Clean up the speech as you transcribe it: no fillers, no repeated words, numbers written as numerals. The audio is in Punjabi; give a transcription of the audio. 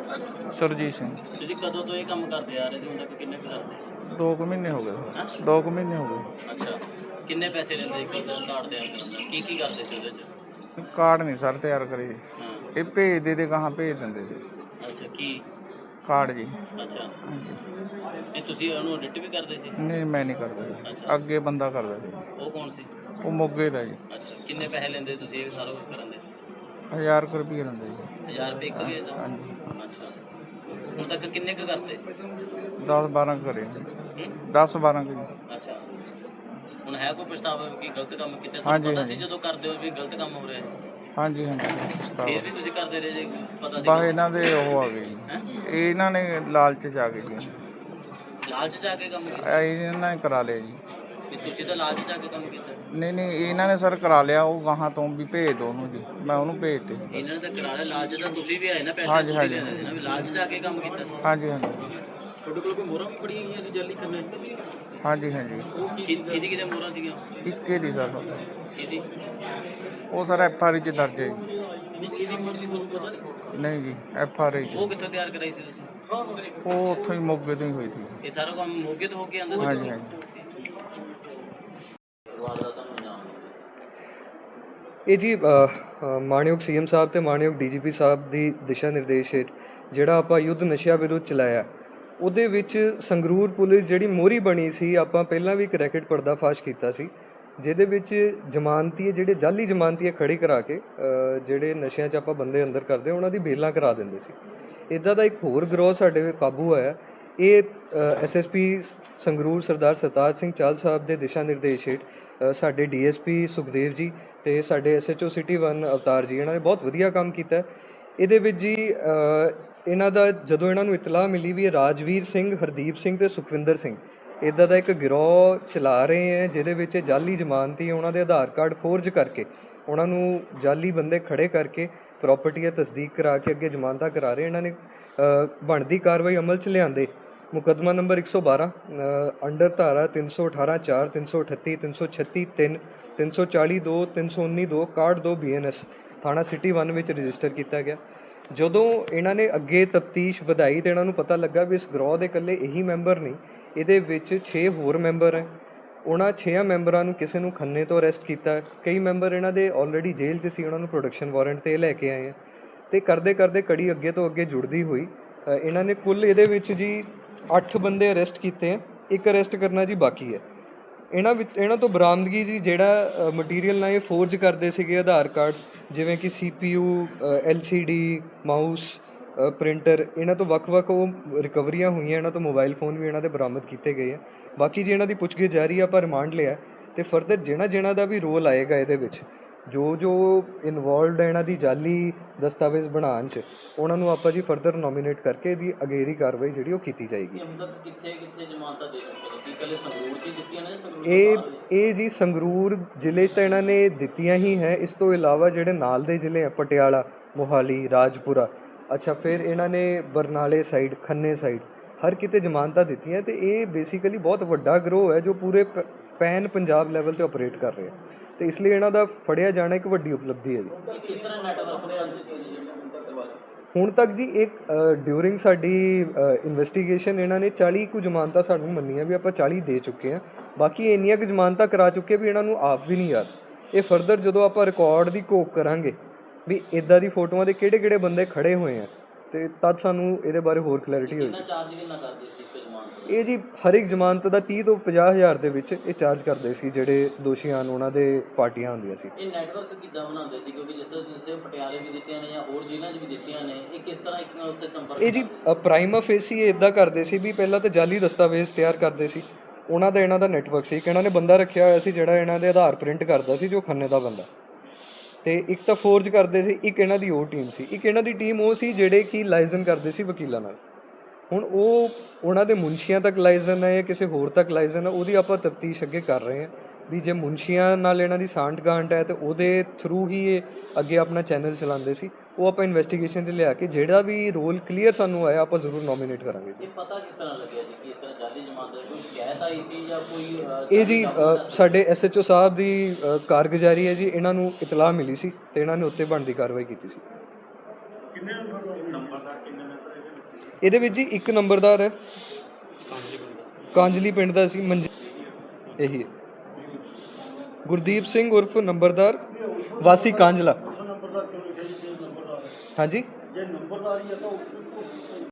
ਸੁਰਜੀਤ ਸਿੰਘ। ਤੁਸੀਂ ਕਦੋਂ ਤੋਂ ਇਹ ਕੰਮ ਕਰਦੇ ਆ ਰਹੇ ਤੇ ਹੁਣ ਤੱਕ ਕਿੰਨੇ ਕੁ ਕਰਦੇ? 2 ਕੁ ਮਹੀਨੇ ਹੋ ਗਏ। ਹੈਂ? 2 ਕੁ ਮਹੀਨੇ ਹੋ ਗਏ। ਅੱਛਾ, ਕਿੰਨੇ ਪੈਸੇ ਲੈਂਦੇ ਇੱਕ ਕਾਰਡ ਤਿਆਰ ਕਰਨ ਦਾ? ਕੀ ਕਰਦੇ ਸੀ ਉਹਦੇ 'ਚ? ਕਾਰਡ ਨਹੀਂ ਸਰ ਤਿਆਰ ਕਰੇ, ਹਾਂ, ਇਹ ਭੇਜਦੇ ਤੇ ਗਾਹਾਂ ਭੇਜ ਦਿੰਦੇ ਸੀ ਅੱਛਾ ਕੀ? ਕਾਰਡ ਜੀ। ਅੱਛਾ, ਹਾਂਜੀ। ਇਹ ਤੁਸੀਂ ਉਹਨੂੰ ਐਡਿਟ ਵੀ ਕਰਦੇ ਸੀ? ਨਹੀਂ ਮੈਂ ਨਹੀਂ ਕਰਦਾ ਜੀ, ਅੱਛਾ, ਅੱਗੇ ਬੰਦਾ ਕਰਦਾ ਸੀ। ਉਹ ਕੌਣ ਸੀ? ਉਹ ਮੋਗੇ ਦਾ ਜੀ। ਅੱਛਾ, ਕਿੰਨੇ ਪੈਸੇ ਲੈਂਦੇ ਤੁਸੀਂ ਇਹ ਸਾਰਾ ਕੁਝ ਕਰਨ ਦੇ? 1000 ਕੁ ਰੁਪਏ ਲੈਂਦੇ ਜੀ। 1000 ਰੁਪਏ ਇੱਕ ਗਏ ਦਾ? ਹਾਂਜੀ। ਅੱਛਾ, ਹੁਣ ਤੱਕ ਕਿੰਨੇ ਕੁ ਕਰਤੇ? 10-12 ਕਰੇ ਜੀ। ਹੂੰ? 10-12 ਜੀ। ਅੱਛਾ, ਹੁਣ ਹੈ ਕੋਈ ਪਛਤਾਵਾ ਕਿ ਗਲਤ ਕੰਮ ਕੀਤਾ? ਤੁਹਾਨੂੰ ਹਾਂਜੀ, ਪਤਾ ਸੀ ਹਾਂਜੀ। ਜਦੋਂ ਕਰਦੇ ਹੋ ਵੀ ਗਲਤ ਕੰਮ ਹੋ ਰਿਹਾ ਹੈ? ਹਾਂਜੀ ਹਾਂਜੀ ਫਿਰ ਪਛਤਾਵਾ। ਵੀ ਤੁਸੀਂ ਕਰਦੇ ਰਹੇ ਜੇ ਪਤਾ ਬਸ ਸੀ? ਇਹਨਾਂ ਦੇ ਉਹ ਆ ਗਏ ਜੀ, ਹੈਂ? ਇਹਨਾਂ ਨੇ ਲਾਲਚ 'ਚ ਆ ਗਏ ਜੀ। ਲਾਲਚ 'ਚ ਆ ਕੇ ਕੰਮ ਕੀਤਾ? ਇਹਨਾਂ ਨੇ ਕਰਾ ਲਿਆ ਜੀ। ਵੀ ਤੁਸੀਂ ਤਾਂ ਲਾਲਚ 'ਚ ਆ ਕੇ ਕੰਮ ਕੀਤਾ? ਨਹੀਂ ਇਹਨਾਂ ਨੇ ਸਰ ਕਰਾ ਲਿਆ, ਉਹ ਗਾਹਾਂ ਤੋਂ ਵੀ ਭੇਜ ਦੋ ਉਹਨੂੰ ਜੀ, ਮੈਂ ਉਹਨੂੰ ਭੇਜਤੇ। ਇਹਨਾਂ ਨੇ ਤਾਂ ਕਰਾ ਲਿਆ, ਲਾਲਚ ਤਾਂ ਤੁਸੀਂ ਵੀ ਆਏ ਨਾ, ਪੈਸੇ ਹਾਂਜੀ, ਤੁਸੀਂ ਹਾਂਜੀ। ਲੈਂਦੇ ਸੀ ਨਾ, ਵੀ ਲਾਲਚ 'ਚ ਆ ਕੇ ਕੰਮ ਕੀਤਾ? ਹਾਂਜੀ ਹਾਂਜੀ ਤੁਹਾਡੇ ਕੋਲ ਕੋਈ ਮੋਹਰਾਂ ਵੀ ਬੜੀਆਂ ਗਈਆਂ ਸੀ ਜਾਲੀ ਖੰਨੇ? ਹਾਂਜੀ ਹਾਂਜੀ। ਕਿਹਦੀ ਮੋਹਰਾਂ ਸੀਗੀਆਂ? ਇੱਕੇ ਦੀ ਸਰ, ਕਿਹਦੀ? ਉਹ ਸਰ FRI 'ਚ ਦਰਜ ਹੈ ਜੀ। ਕਿਹਦੀ ਮੋਹਰ ਸੀ ਤੁਹਾਨੂੰ ਪਤਾ ਨਹੀਂ? ਨਹੀਂ ਜੀ FRI 'ਚ। ਉਹ ਕਿੱਥੋਂ ਤਿਆਰ ਕਰਾਈ ਸੀ ਤੁਸੀਂ? ਉਹ ਉੱਥੋਂ ਹੀ ਮੋਗੇ ਤੋਂ ਹੀ ਹੋਈ ਸੀ। ਇਹ ਸਾਰਾ ਕੰਮ ਮੋਗੇ ਤੋਂ ਹੋ ਕੇ ਆਉਂਦਾ ਸੀ? ਹਾਂਜੀ ਹਾਂਜੀ। ਇਹ ਜੀ ਮਾਣਯੋਗ CM ਸਾਹਿਬ ਅਤੇ ਮਾਣਯੋਗ DGP ਸਾਹਿਬ ਦੀ ਦਿਸ਼ਾ ਨਿਰਦੇਸ਼ ਹੇਠ ਜਿਹੜਾ ਆਪਾਂ ਯੁੱਧ ਨਸ਼ਿਆਂ ਵਿਰੁੱਧ ਚਲਾਇਆ, ਉਹਦੇ ਵਿੱਚ ਸੰਗਰੂਰ ਪੁਲਿਸ ਜਿਹੜੀ ਮੋਹਰੀ ਬਣੀ ਸੀ, ਆਪਾਂ ਪਹਿਲਾਂ ਵੀ ਇੱਕ ਰੈਕੇਟ ਪਰਦਾਫਾਸ਼ ਕੀਤਾ ਸੀ, ਜਿਹਦੇ ਵਿੱਚ ਜ਼ਮਾਨਤੀਏ ਜਿਹੜੇ ਜਾਲੀ ਜ਼ਮਾਨਤੀਏ ਖੜੇ ਕਰਾ ਕੇ ਜਿਹੜੇ ਨਸ਼ਿਆਂ 'ਚ ਆਪਾਂ ਬੰਦੇ ਅੰਦਰ ਕਰਦੇ ਉਹਨਾਂ ਦੀ ਬੇਲਾਂ ਕਰਾ ਦਿੰਦੇ ਸੀ। ਇੱਦਾਂ ਦਾ ਇੱਕ ਹੋਰ ਗਰੋਹ ਸਾਡੇ ਕਾਬੂ ਆਇਆ। ਇਹ SSP ਸੰਗਰੂਰ ਸਰਦਾਰ ਸਰਤਾਜ ਸਿੰਘ ਚਾਹਲ ਸਾਹਿਬ ਦੇ ਦਿਸ਼ਾ ਨਿਰਦੇਸ਼ ਹੇਠ ਸਾਡੇ DSP ਸੁਖਦੇਵ ਜੀ ਅਤੇ ਸਾਡੇ SHO City 1 ਅਵਤਾਰ ਜੀ, ਇਹਨਾਂ ਨੇ ਬਹੁਤ ਵਧੀਆ ਕੰਮ ਕੀਤਾ। ਇਹਦੇ ਵਿੱਚ ਜੀ ਇਹਨਾਂ ਦਾ ਜਦੋਂ ਇਹਨਾਂ ਨੂੰ ਇਤਲਾਹ ਮਿਲੀ ਵੀ ਇਹ ਰਾਜਵੀਰ ਸਿੰਘ, ਹਰਦੀਪ ਸਿੰਘ ਅਤੇ ਸੁਖਵਿੰਦਰ ਸਿੰਘ ਇੱਦਾਂ ਦਾ ਇੱਕ ਗਿਰੋਹ ਚਲਾ ਰਹੇ ਹੈ, ਜਿਹਦੇ ਵਿੱਚ ਜਾਲੀ ਜ਼ਮਾਨਤੀ ਉਹਨਾਂ ਦੇ ਆਧਾਰ ਕਾਰਡ ਫੋਰਜ ਕਰਕੇ ਉਹਨਾਂ ਨੂੰ ਜਾਲੀ ਬੰਦੇ ਖੜੇ ਕਰਕੇ ਪ੍ਰੋਪਰਟੀ ਦੀ ਤਸਦੀਕ ਕਰਾ ਕੇ ਅੱਗੇ ਜ਼ਮਾਨਤਾਂ ਕਰਾ ਰਹੇ। ਇਹਨਾਂ ਨੇ ਬਣਦੀ ਕਾਰਵਾਈ ਅਮਲ 'ਚ ਲਿਆਂਦੇ ਮੁਕੱਦਮਾ ਨੰਬਰ 112 ਅੰਡਰ ਧਾਰਾ 318(4), 338, 336(3), 340(2), 319(2), 61(2) BNS ਥਾਣਾ ਸਿਟੀ 1 ਵਿੱਚ ਰਜਿਸਟਰ ਕੀਤਾ ਗਿਆ। ਜਦੋਂ ਇਹਨਾਂ ਨੇ ਅੱਗੇ ਤਫਤੀਸ਼ ਵਧਾਈ ਤਾਂ ਇਹਨਾਂ ਨੂੰ ਪਤਾ ਲੱਗਾ ਵੀ ਇਸ ਗਰੋਹ ਦੇ ਇਕੱਲੇ ਇਹੀ ਮੈਂਬਰ ਨਹੀਂ, ਇਹਦੇ ਵਿੱਚ 6 ਹੋਰ ਮੈਂਬਰ ਹੈ। ਉਹਨਾਂ 6 ਮੈਂਬਰਾਂ ਨੂੰ ਕਿਸੇ ਨੂੰ ਖੰਨੇ ਤੋਂ ਅਰੈਸਟ ਕੀਤਾ, ਕਈ ਮੈਂਬਰ ਇਹਨਾਂ ਦੇ ਆਲਰੇਡੀ ਜੇਲ੍ਹ 'ਚ ਸੀ, ਉਹਨਾਂ ਨੂੰ ਪ੍ਰੋਡਕਸ਼ਨ ਵਾਰੰਟ 'ਤੇ ਲੈ ਕੇ ਆਏ ਆ। ਅਤੇ ਕਰਦੇ ਕਰਦੇ ਕੜੀ ਅੱਗੇ ਤੋਂ ਅੱਗੇ ਜੁੜਦੀ ਹੋਈ ਇਹਨਾਂ ਨੇ ਕੁੱਲ ਇਹਦੇ ਵਿੱਚ ਜੀ 8 ਬੰਦੇ ਅਰੈਸਟ ਕੀਤੇ ਹੈ, ਇੱਕ ਅਰੈਸਟ ਕਰਨਾ ਜੀ ਬਾਕੀ ਹੈ। ਇਹਨਾਂ ਤੋਂ ਬਰਾਮਦਗੀ ਜੀ ਜਿਹੜਾ ਮਟੀਰੀਅਲ ਨਾਲ ਇਹ ਫੋਰਜ ਕਰਦੇ ਸੀਗੇ ਆਧਾਰ ਕਾਰਡ, ਜਿਵੇਂ ਕਿ CPU, LCD, ਮਾਊਸ, ਪ੍ਰਿੰਟਰ, ਇਹਨਾਂ ਤੋਂ ਵੱਖ-ਵੱਖ ਉਹ ਰਿਕਵਰੀਆਂ ਹੋਈਆਂ। ਇਹਨਾਂ ਤੋਂ ਮੋਬਾਈਲ ਫੋਨ ਵੀ ਇਹਨਾਂ ਦੇ ਬਰਾਮਦ ਕੀਤੇ ਗਏ ਆ। ਬਾਕੀ ਜੀ ਇਹਨਾਂ ਦੀ ਪੁੱਛਗਿੱਛ ਜਾਰੀ ਆ, ਆਪਾਂ ਰਿਮਾਂਡ ਲਿਆ ਅਤੇ ਫਰਦਰ ਜਿਹਨਾਂ ਦਾ ਵੀ ਰੋਲ ਆਏਗਾ ਇਹਦੇ ਵਿੱਚ, ਜੋ ਇਨਵੋਲਵਡ ਹੈ ਇਹਨਾਂ ਦੀ ਜਾਲੀ ਦਸਤਾਵੇਜ਼ ਬਣਾਉਣ 'ਚ, ਉਹਨਾਂ ਨੂੰ ਆਪਾਂ ਜੀ ਫਰਦਰ ਨੋਮੀਨੇਟ ਕਰਕੇ ਇਹਦੀ ਅਗੇਰੀ ਕਾਰਵਾਈ ਜਿਹੜੀ ਉਹ ਕੀਤੀ ਜਾਏਗੀ। ਕਿੱਥੇ ਜ਼ਮਾਨਤਾਂ ਦੇ ਰਹੇ ਹੋ? ਕੀ ਕੱਲ੍ਹ ਸੰਗਰੂਰ 'ਚ ਦਿੱਤੀਆਂ ਨੇ? ਇਹ ਜੀ ਸੰਗਰੂਰ ਜ਼ਿਲ੍ਹੇ 'ਚ ਤਾਂ ਇਹਨਾਂ ਨੇ ਦਿੱਤੀਆਂ ਹੀ ਹੈ। ਇਸ ਤੋਂ ਇਲਾਵਾ ਜਿਹੜੇ ਨਾਲ ਦੇ ਜ਼ਿਲ੍ਹੇ ਆ ਪਟਿਆਲਾ, ਮੋਹਾਲੀ, ਰਾਜਪੁਰਾ, ਅੱਛਾ ਫਿਰ ਇਹਨਾਂ ਨੇ ਬਰਨਾਲੇ ਸਾਈਡ, ਖੰਨੇ ਸਾਈਡ, ਹਰ ਕਿਤੇ ਜ਼ਮਾਨਤਾਂ ਦਿੱਤੀਆਂ। ਅਤੇ ਇਹ ਬੇਸਿਕਲੀ ਬਹੁਤ ਵੱਡਾ ਗਰੋਹ ਹੈ ਜੋ ਪੂਰੇ ਪੈਨ ਪੰਜਾਬ ਲੈਵਲ 'ਤੇ ਆਪਰੇਟ ਕਰ ਰਿਹਾ, ਅਤੇ ਇਸ ਲਈ ਇਹਨਾਂ ਦਾ ਫੜਿਆ ਜਾਣਾ ਇੱਕ ਵੱਡੀ ਉਪਲਬਧੀ ਹੈ ਜੀ। ਕਿਸ ਤਰ੍ਹਾਂ ਨੈਟਵਰਕ ਦੇ ਹੁਣ ਤੱਕ ਜੀ ਇੱਕ ਡਿਊਰਿੰਗ ਸਾਡੀ ਇਨਵੈਸਟੀਗੇਸ਼ਨ ਇਹਨਾਂ ਨੇ 40 ਕੁ ਜ਼ਮਾਨਤਾਂ ਸਾਨੂੰ ਮੰਨੀਆਂ ਵੀ ਆਪਾਂ 40 ਦੇ ਚੁੱਕੇ ਹਾਂ। ਬਾਕੀ ਇੰਨੀਆਂ ਕੁ ਜ਼ਮਾਨਤਾਂ ਕਰਾ ਚੁੱਕੇ ਵੀ ਇਹਨਾਂ ਨੂੰ ਆਪ ਵੀ ਨਹੀਂ ਯਾਦ। ਇਹ ਫਰਦਰ ਜਦੋਂ ਆਪਾਂ ਰਿਕਾਰਡ ਦੀ ਘੋਖ ਕਰਾਂਗੇ ਵੀ ਇੱਦਾਂ ਦੀ ਫੋਟੋਆਂ ਦੇ ਕਿਹੜੇ ਬੰਦੇ ਖੜੇ ਹੋਏ ਆ, ਅਤੇ ਤਦ ਸਾਨੂੰ ਇਹਦੇ ਬਾਰੇ ਹੋਰ ਕਲੈਰਿਟੀ ਹੋਏਗੀ। ਕਿੰਨਾ ਕਰਦੇ ਸੀ ਇੱਕ ਜ਼ਮਾਨਤ? ਇਹ ਜੀ ਹਰ ਇੱਕ ਜ਼ਮਾਨਤ ਦਾ 30 ਤੋਂ 50 ਹਜ਼ਾਰ ਦੇ ਵਿੱਚ ਇਹ ਚਾਰਜ ਕਰਦੇ ਸੀ ਜਿਹੜੇ ਦੋਸ਼ੀ ਹਨ, ਉਹਨਾਂ ਦੇ ਪਾਰਟੀਆਂ ਹੁੰਦੀਆਂ ਸੀ। ਇਹ ਨੈਟਵਰਕ ਕਿੱਦਾਂ ਬਣਾਉਂਦੇ ਸੀ? ਕਿਉਂਕਿ ਜਿਸ ਤਰ੍ਹਾਂ ਪਟਿਆਲੇ ਵੀ ਦਿੱਤੀਆਂ ਨੇ ਜਾਂ ਹੋਰ ਜ਼ਿਲ੍ਹਿਆਂ 'ਚ ਵੀ ਦਿੱਤੀਆਂ ਨੇ, ਇਹ ਕਿਸ ਤਰ੍ਹਾਂ ਇੱਕ ਨਾਲ ਉੱਤੇ ਸੰਪਰਕ? ਇਹ ਜੀ ਪ੍ਰਾਈਮਾ ਫੇਸੀ ਇੱਦਾਂ ਕਰਦੇ ਸੀ ਵੀ ਪਹਿਲਾਂ ਤਾਂ ਜਾਲੀ ਦਸਤਾਵੇਜ਼ ਤਿਆਰ ਕਰਦੇ ਸੀ, ਉਹਨਾਂ ਦਾ ਇਹਨਾਂ ਦਾ ਨੈਟਵਰਕ ਸੀ। ਇੱਕ ਇਹਨਾਂ ਨੇ ਬੰਦਾ ਰੱਖਿਆ ਹੋਇਆ ਸੀ ਜਿਹੜਾ ਇਹਨਾਂ ਦੇ ਆਧਾਰ ਪ੍ਰਿੰਟ ਕਰਦਾ ਸੀ, ਜੋ ਖੰਨੇ ਦਾ ਬੰਦਾ, ਅਤੇ ਇੱਕ ਤਾਂ ਫੋਰਜ ਕਰਦੇ ਸੀ। ਇੱਕ ਇਹਨਾਂ ਦੀ ਉਹ ਟੀਮ ਸੀ, ਇੱਕ ਇਹਨਾਂ ਦੀ ਟੀਮ ਉਹ ਸੀ ਜਿਹੜੇ ਕਿ ਲਾਇਜ਼ਨ ਕਰਦੇ ਸੀ ਵਕੀਲਾਂ ਨਾਲ। ਹੁਣ ਉਹਨਾਂ ਦੇ ਮੁਨਸ਼ੀਆਂ ਤੱਕ ਲਾਇਜ਼ਨ ਹੈ ਜਾਂ ਕਿਸੇ ਹੋਰ ਤੱਕ ਲਾਇਜ਼ਨ ਹੈ, ਉਹਦੀ ਆਪਾਂ ਤਫਤੀਸ਼ ਅੱਗੇ ਕਰ ਰਹੇ ਹਾਂ ਵੀ ਜੇ ਮੁਨਸ਼ੀਆਂ ਨਾਲ ਇਹਨਾਂ ਦੀ ਸਾਂਠ ਗਾਂਠ ਹੈ ਤਾਂ ਉਹਦੇ ਥਰੂ ਹੀ ਇਹ ਅੱਗੇ ਆਪਣਾ ਚੈਨਲ ਚਲਾਉਂਦੇ ਸੀ। ਉਹ ਆਪਾਂ ਇਨਵੈਸਟੀਗੇਸ਼ਨ 'ਚ ਲਿਆ ਕੇ ਜਿਹੜਾ ਵੀ ਰੋਲ ਕਲੀਅਰ ਸਾਨੂੰ ਆਇਆ ਆਪਾਂ ਜ਼ਰੂਰ ਨੋਮੀਨੇਟ ਕਰਾਂਗੇ। ਇਹ ਪਤਾ ਕਿਸ ਤਰ੍ਹਾਂ ਲੱਗਿਆ ਜੀ ਕਿ ਇਸ ਤਰ੍ਹਾਂ ਜਾਲੀ ਜ਼ਮਾਨਤ ਦੀ ਕੋਈ ਸ਼ਿਕਾਇਤ ਆਈ ਸੀ ਜਾਂ ਕੋਈ? ਇਹ ਜੀ ਸਾਡੇ SHO ਸਾਹਿਬ ਦੀ ਕਾਰਗੁਜ਼ਾਰੀ ਹੈ ਜੀ, ਇਹਨਾਂ ਨੂੰ ਇਤਲਾਹ ਮਿਲੀ ਸੀ ਅਤੇ ਇਹਨਾਂ ਨੇ ਉੱਤੇ ਬਣਦੀ ਕਾਰਵਾਈ ਕੀਤੀ ਸੀ। ਇਹਦੇ ਵਿੱਚ ਜੀ ਇੱਕ ਨੰਬਰਦਾਰ ਹੈ, ਕਾਂਜਲੀ ਪਿੰਡ ਦਾ ਸੀ ਇਹੀ ਹੈ, ਗੁਰਦੀਪ ਸਿੰਘ ਉਰਫ ਨੰਬਰਦਾਰ ਵਾਸੀ ਕਾਂਜਲਾ। ਹਾਂਜੀ